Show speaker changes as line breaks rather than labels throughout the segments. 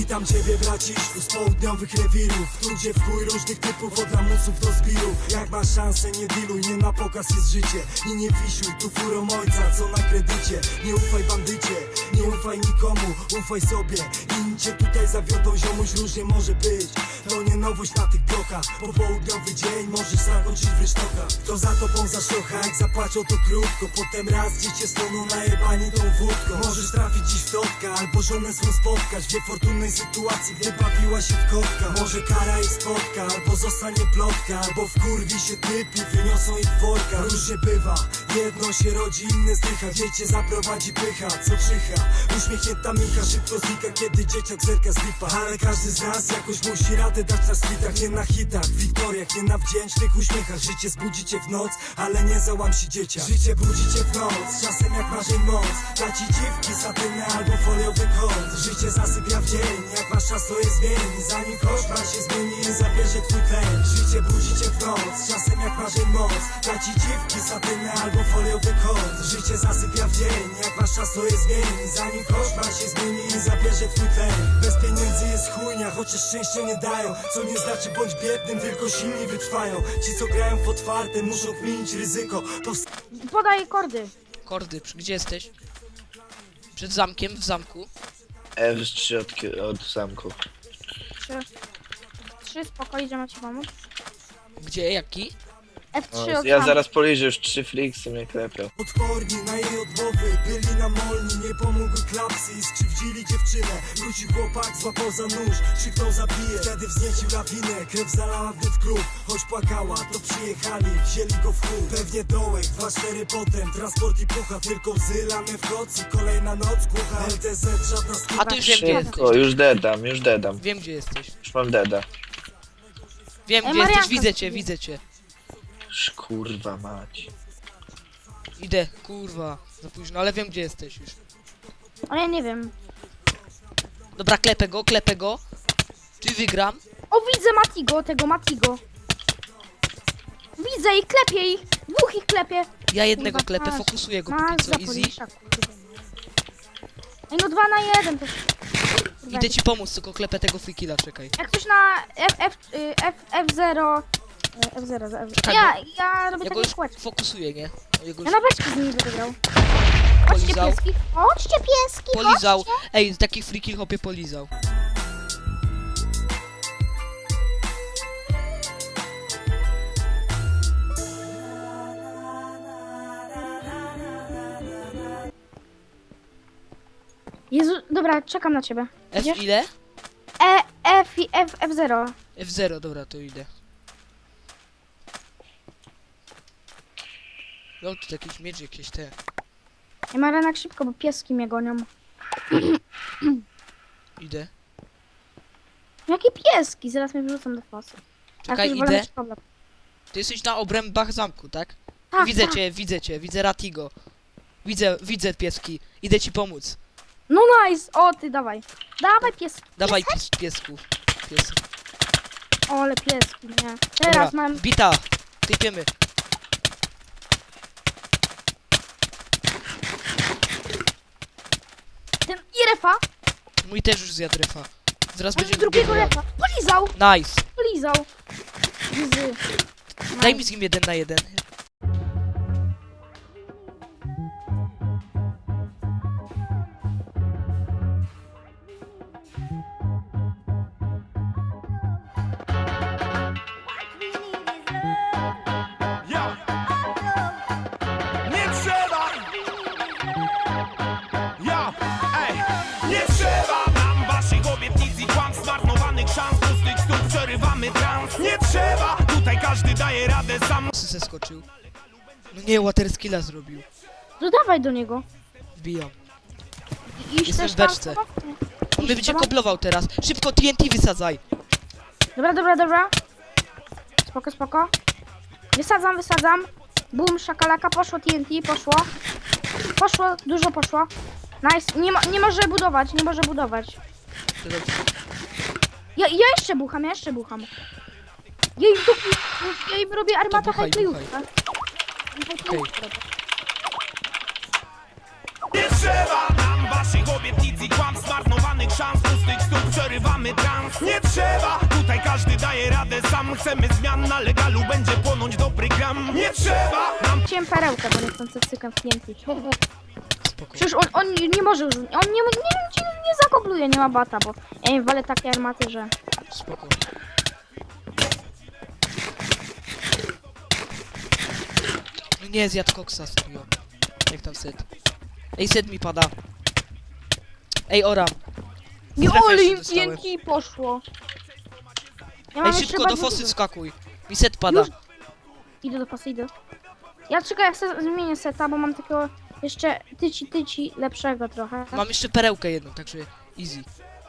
Witam ciebie braciszku z południowych rewirów, tu gdzie w chuj różnych typów od lamusów do zbirów. Jak masz szansę nie diluj, nie na pokaz jest życie. I nie wisiuj tu furą ojca, co na kredycie. Nie ufaj bandycie, nie ufaj nikomu, ufaj sobie. Inni cię tutaj zawiodą, ziomuś, różnie może być. To nie nowość na tych blokach, popołudniowy dzień możesz zakończyć w rysztokach. Kto za tobą zaszocha, jak zapłaczą to krótko. Potem raz dziecię stoną najebani tą wódką. Możesz trafić dziś w totka, albo żonę swą spotkać w niefortunnej sytuacji, gdy bawiła się w kotka. Może kara ich spotka, albo zostanie plotka, albo wkurwi się typ i wyniosą ich w worka. Różnie bywa, jedno się rodzi, inne zdycha. Dziecię zaprowadzi pycha, co czyha. Uśmiechnięta minka szybko znika, kiedy dzieciak zerka z lipa. Ale każdy z nas jakoś musi radę dać na streetach. Nie na hitach, wiktoriach, nie na wdzięcznych uśmiechach. Życie zbudzicie w noc, ale nie załam się dzieciak. Życie budzicie w noc, czasem jak marzeń moc. Da ci dziwki, satynę albo foliowy kąt. Życie zasypia w dzień, jak masz czas to je zmieni. Zanim koszmar się zmieni i zabierze twój tlen. Życie budzicie w noc, czasem jak marzeń moc. Da ci dziwki, satynę albo foliowy kąt. Życie zasypia w dzień, jak masz czas to je zmieni. Zanim koszmar się zmieni i zabierze twój tlen. Bez pieniędzy jest chujnia, chociaż szczęścia nie dają. Co nie znaczy bądź biednym, tylko silni wytrwają. Ci co grają w otwarte muszą kminić ryzyko.
Podaj kordy.
Kordy, gdzie jesteś? Przed zamkiem, w zamku.
F3 od zamku.
3 spoko, idziemy ci pomóc.
Gdzie, jaki?
F3 od
Ja
tam.
zaraz poliżę, już 3 fliksy mnie klepią.
Odporni na jej odmowy, byli namolni, nie pomogły klapsy i skrzywdzili dziewczynę. Wrócił chłopak, złapał za nóż, krzyknął zabije. Wtedy wzniecił lawinę, krew zalała wnet klub. Choć płakała, to przyjechali, wzięli go w chód. Pewnie dołek, 2-4 potem, transport i pucha. Tylko łzy lane w kocy, kolejna noc głucha. LTZ, żadna skóra.
A ty już wiem, gdzie
Szybko,
jesteś.
już dedam.
Wiem, gdzie jesteś.
Już mam deda.
Wiem,
Ej,
gdzie jesteś,
Marianka,
widzę cię, widzę cię.
Kurwa mać.
Idę, kurwa, za późno, ale wiem, gdzie jesteś już.
Ale ja nie wiem.
Dobra, klepę go. Czy wygram?
O, widzę Matigo, tego Matigo. Widzę ich, klepię ich. Dwóch ich klepię.
Ja jednego
Kurwa,
klepę,
masz.
fokusuję go
Masz
póki co,
za
easy.
polisza, kurde. Ej, no 2 na 1 to... Kurwa,
Idę ci pomóc, tylko klepę tego free killa, czekaj.
Jak ktoś na F0... F0,
Czekaj,
ja robię
Ja go
takie
już
kółeczko.
fokusuję, nie? Jego
Ja
już
na beczki z nimi będę grał. Chodźcie
polizał.
pieski. Chodźcie pieski,
Polizał.
chodźcie.
Ej, taki free kill hopie polizał.
Jezu, dobra, czekam na ciebie.
F
Idziesz?
ile?
F0.
F0, dobra, to idę. No, tu jakiś miecz, jakieś te.
Ja ma ranak szybko, bo pieski mnie gonią.
Idę.
Jakie pieski? Zaraz mnie wyrzucą do fosy.
Czekaj,
Jak już wolę
idę.
mieć problem.
Ty jesteś na obrębach zamku, tak?
Tak,
Widzę
tak.
cię, widzę Ratigo. Widzę pieski. Idę ci pomóc.
No nice! O, ty dawaj. Dawaj pieski.
Dawaj piesków. Pies.
O, ale pieski, nie.
Dobra,
Teraz mam...
bita. Typiemy.
Ten i refa.
Mój też już zjadł refa. Zaraz
Mam
będzie
drugiego
drugiego.
refa. Polizał!
Nice.
Polizał. Gzy.
Daj mi z nim 1 na 1.
Ja. Nie trzeba. Ja. Ej. Nie trzeba nam waszych obietnic i kłamstw, zmarnowanych szans, pustych stóp, przerywamy trans. Nie trzeba. Tutaj każdy daje radę sam.
Zeskoczył. No nie, water skilla zrobił.
No dawaj do niego.
Wbijam.
Iść
Jestem
też
w
tam
beczce.
z tobą?
On
Iść
będzie
z tobą?
koblował teraz. Szybko TNT wysadzaj.
Dobra. Spoko. Wysadzam. Boom, szakalaka, poszło TNT, poszło, dużo poszło. Nice, nie może budować.
To dobrze.
Ja jeszcze bucham. Ja im robię armatę
buchaj,
hajklejutka.
Okej.
Nie trzeba nam waszych obietnic i kłamstw, zmarnowanych szans, pustych stóp, przerywamy trans. Nie trzeba, tutaj każdy daje radę sam. Chcemy zmian, na legalu będzie płonąć dobry gram. Nie trzeba nam.
Chciałem perełkę, bo nie chcę cycykam w TNT.
Spoko.
Przecież on nie może już, on nie zakobluje, nie ma bata, bo ja im walę takie armaty, że...
Spoko. No nie, zjadł koksa, serio. Jak tam set? Ej, set mi pada. Ej, ora.
Nie,
Strefę
ale
jeszcze
im
dostałem.
TNT poszło. Ja
Ej,
mam
szybko
jeszcze
do fosy wskakuj. Mi set pada.
Już. Idę do pasy, idę. Ja czekaj, ja sobie zmienię seta, bo mam takiego jeszcze tyci lepszego trochę.
Mam jeszcze perełkę jedną, także easy.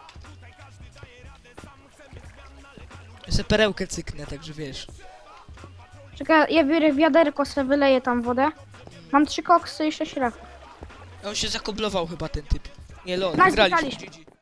Ja sobie perełkę cyknę, także wiesz.
Czekaj, ja biorę wiaderko, sobie wyleję tam wodę. Mam 3 koksy i 6 ref.
On się zakoblował chyba ten typ. Nie, lol,
Nice,
wygraliśmy.
wygraliśmy.
GG.